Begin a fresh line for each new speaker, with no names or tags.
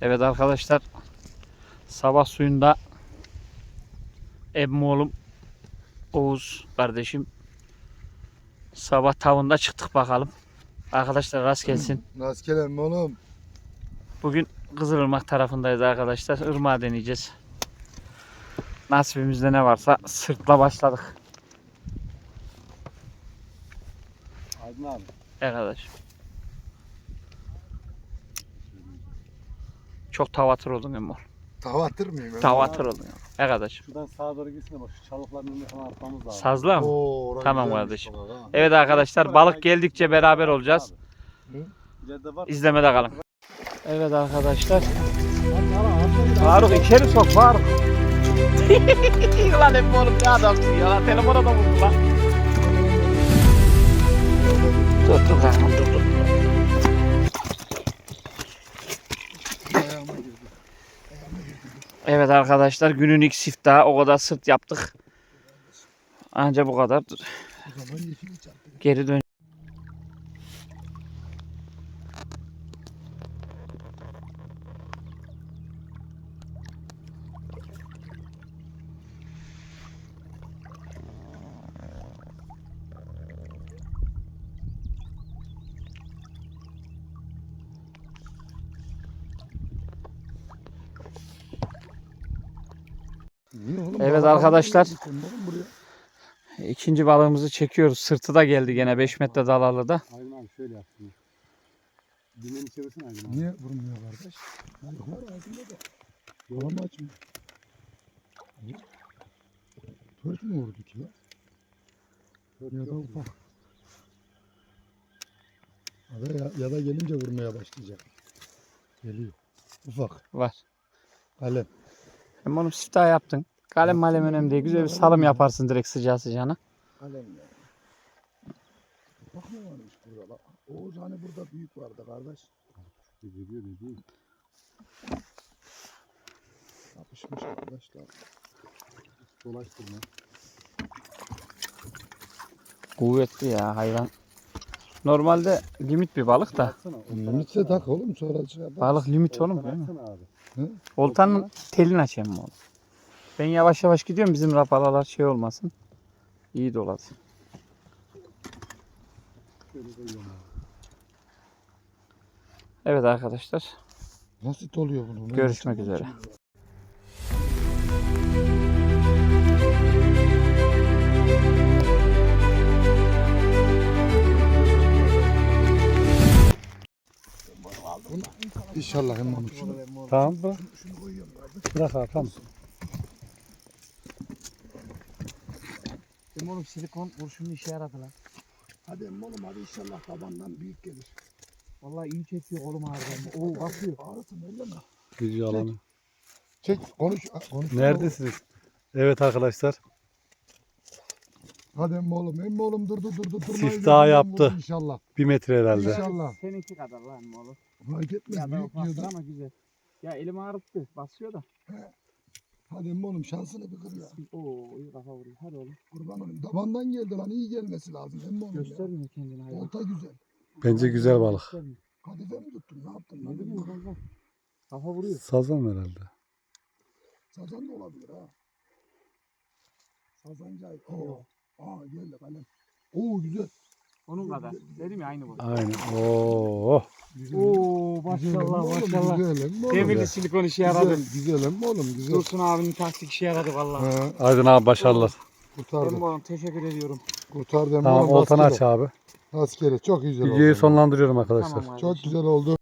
Evet arkadaşlar, sabah suyunda emmoğlum Oğuz kardeşim sabah tavında çıktık bakalım. Arkadaşlar rast gelsin.
Rastgele mi oğlum?
Bugün Kızılırmak tarafındayız arkadaşlar. Irmağı deneyeceğiz. Nasibimizde ne varsa sırtla başladık.
Aydın abi.
Arkadaş. Çok tavatır oldun emmoğlum.
Tavatır mıyım?
Tavatır oldun. Arkadaş.
Şuradan sağa doğru gitsin de bak şu çalıkların önüne falan atmamız lazım.
Sazla mı?
Oo,
Tamam
güzelmiş
kardeşim.
baba, ha.
Evet arkadaşlar, balık geldikçe beraber olacağız.
İleride var.
İzlemede kalın. Evet arkadaşlar. Faruk içeri sok Faruk. Ulan hep oğlum ne adamsın ya lan, telefona da vurdu lan. Dur kankam dur.
Ayağıma girdi.
Evet arkadaşlar, günün ilk siftahı, o kadar sırt yaptık. Anca bu kadar. Dur.
O zaman yeşili çarptı.
Geri dön. Evet arkadaşlar, ikinci balığımızı çekiyoruz. Sırtı da geldi gene 5 metre dalalı da.
Aydın abi şöyle yapsın. Düğmeni çevirsin Aydın abi. Niye vurmuyor kardeş? Balık var ağzında da. Yola mı açmıyor? Tört mü vurdu ki ya? Ya da ufak. Ya da gelince vurmaya başlayacak. Geliyor. Ufak.
Var.
Kalem.
Hem onu siftah yaptın. Kalem malem önemli değil. Güzel bir salım yaparsın direkt sıcağı sıcağına.
Kalem ya. Bak ne varmış burada bak. Oğuz hani burada büyük vardı kardeş. Geliyor ne diyeyim. Yapışmış arkadaşlar. Dolaştırma.
Kuvvetli ya hayvan. Normalde limit bir balık da.
Limitse tak oğlum sonra çıkar.
Balık limit oğlum değil mi?
Hı?
Oltanın telini açayım mı oğlum? Ben yavaş yavaş gidiyorum, bizim rapalalar şey olmasın. İyi dolasın. Evet arkadaşlar,
Nasıl oluyor bunu?
görüşmek üzere.
İnşallah hem şunu.
Tamam bırak.
Şunu koyuyorum kardeş.
Bırak abi tamam.
Oğlum silikon kurşunu işe yaradı lan.
Hadi oğlum hadi inşallah tabandan büyük gelir.
Vallahi iyi çekiyor oğlum harbiden. Oo bakıyor.
Ağrısın öyle mi?
Video alanı.
Çek konuş.
Neredesiniz? Evet arkadaşlar.
Hadi oğlum durdu.
Siftah yaptı.
İnşallah.
1 metre herhalde.
İnşallah.
Seninki kadar lan oğlum.
Fark etmez
Ya da
büyük diyor
ufaktır
da.
ama güzel. Ya elim ağrıttı. Basıyor da.
Hadi oğlum şansını bir kır ya.
Oo iyi kafa vuruyor. Hadi oğlum.
Kurban olayım. Tabandan geldi lan iyi gelmesi lazım. Hem oğlum ya.
Göstermiyor kendini hayvan.
Olta güzel.
Bence güzel balık.
Göstermiyor.
Kadife mi tuttun? Ne yaptın?
Ne bileyim kanka. Kafa vuruyor.
Sazan herhalde.
Sazan da olabilir ha. Sazancay. Oo. Aa geldi kalem. Oo güzel.
Onun kadar. Dedim ya aynı bu.
Aynen. Oo.
Oo maşallah maşallah.
Güzel hem oğlum.
Demirli silikon işe yaradı.
Güzel hem oğlum güzel.
Dursun abinin taktik işe yaradı vallahi.
Ha,
Aydın abi başarılar.
kurtardı.
Oğlum teşekkür ediyorum.
Kurtardı hem
Tamam
oğlum.
oltanı aç
rastgele.
abi.
Rastgele çok güzel oldu.
Videoyu sonlandırıyorum arkadaşlar.
Tamam
Çok güzel oldu.